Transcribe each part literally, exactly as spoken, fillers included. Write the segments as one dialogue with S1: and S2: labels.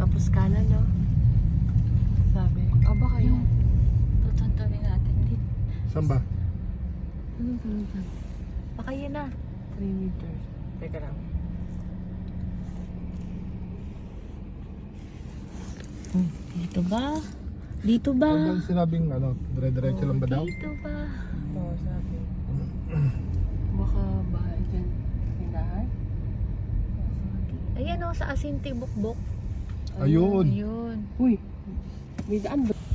S1: Tapos kanan, no? Sabi. Ah, baka yun.
S2: Tutuntunin natin dito.
S3: Saan ba?
S1: Ano ba?
S2: Baka yun na.
S1: three meters. Teka lang.
S2: Hmm, dito ba? Dito ba?
S3: Ano ba sinabing ano, dire-diretso lang ba daw?
S2: Dito ba?
S1: Oo, sabi. Baka bahay dyan. Tindahan?
S2: Ayan o, sa Asinti Bukbok.
S3: Ayun.
S2: Ayun.
S1: Uy! May daan ba?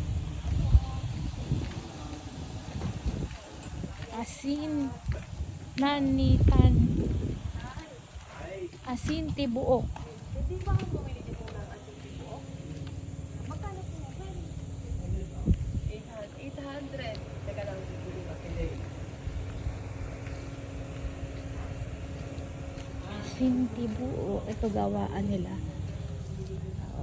S2: Asin. Nanitan. Asinti Buok.
S1: Hindi ba ang bumili dito ng ating buok? Magkano po naman? eight hundred. Teka lang, bibili ba?
S2: Asinti Buok. Ito gawaan nila. Oo.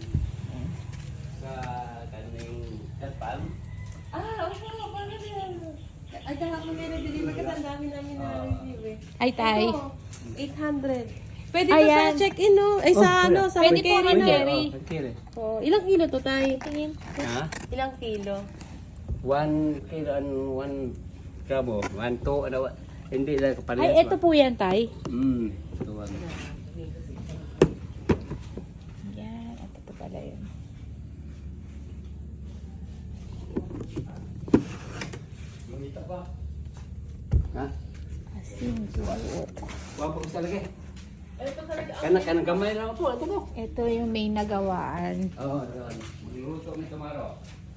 S4: Sa kaning Kalpam.
S1: Ah, opo, paano yan? Ay, kahapon may nag-deliver kasi ang dami namin na-receive eh.
S2: Ay, tay.
S1: Ito, eight hundred. Pwede to
S2: Ayan.
S1: sa check-in, no? Ay, sa ano, sa
S2: Pwede po
S1: carry,
S2: rin
S1: no?
S2: carry.
S4: Oh, carry.
S1: Oh, ilang kilo to, tay?
S2: Tingin.
S4: Ha?
S1: Ilang kilo?
S4: One kilo and one gramo. One, two, ano, hindi lang kapalit.
S2: Ay, ito po yan, tay.
S4: Hmm. Ito one.
S2: Yan. At ito pala yun.
S4: Ha?
S2: Asinti Buok.
S4: Wala po isa lagi. Kana, kana gamay lang po. Ito po.
S2: Ito yung may nagawaan.
S4: Oo, ito. Magluto ni tomorrow.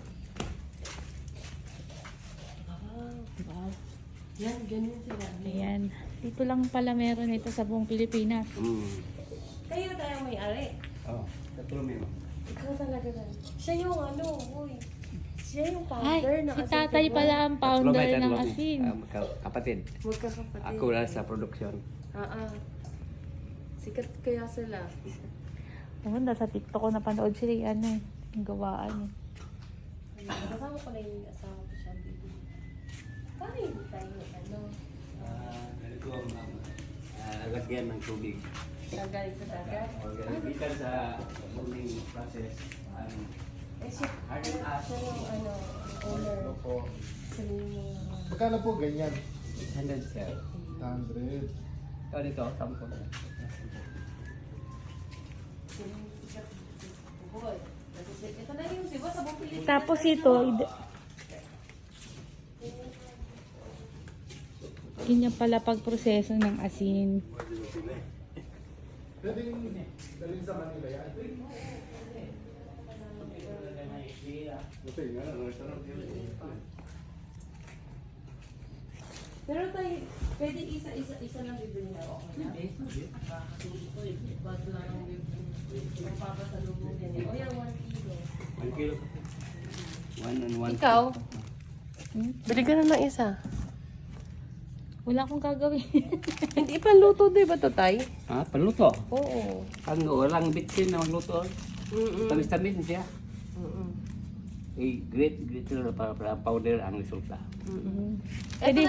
S2: Wow.
S1: Yan, ganyan sila.
S2: Ayan. Dito lang pala meron ito sa buong Pilipinas.
S4: Hmm.
S1: Kayo tayo may-ari.
S4: Oo. Tatlo mo.
S1: Ikaw talaga na. Siya yung ano, uy. Siya yung
S2: Ay,
S1: founder ng
S2: si
S1: Asin
S2: tatay
S1: Tibuok.
S2: pala ang founder ng
S4: Ah,
S2: asin.
S4: kapatid.
S1: Magkakapatid.
S4: Ako lang sa produksyon.
S1: Ah, ah. Sikat kaya sila.
S2: Oo, nasa TikTok ko napanood sila yung ano eh. Yung gawaan eh.
S1: Ayun, kasama ko na yung asawa ko siya. Baby. Paano hindi tayo ano?
S4: Ah, ganito ang ah, lagyan ng tubig.
S1: Nagaling sa dagat?
S4: Organibitan sa boiling process. Um,
S1: Eh, siya,
S4: Harden
S1: siya
S4: up.
S1: yung ano, owner.
S3: Opo.
S1: Siya yung
S3: Magkano po ganyan?
S4: eight hundred sir.
S3: eight hundred.
S4: Ito dito, sampo.
S1: Boy. Ito na yung diba sa buong Pilipinas.
S2: Tapos ito, id- ganyan pala pagproseso ng asin.
S3: Pwede dalhin sa Manila yan?
S1: Pero tayo, pwede isa-isa-isa lang bibili na ako. Bago lang ang bibili. Magpapasalubong din eh. O yan, one kilo.
S4: One kilo. One and one.
S1: Ikaw?
S2: Hmm?
S1: Bili ka na ng isa.
S2: Wala akong gagawin.
S1: Hindi pa luto, di ba to, Tay?
S4: Ha? Paluto.
S1: Oo.
S4: Ang walang bitsin na magluto.
S1: Mm-mm.
S4: Tamis-tamis siya.
S1: Mm-mm.
S4: Eh, great, great para, para powder ang resulta.
S1: Mm-mm.
S2: Pwede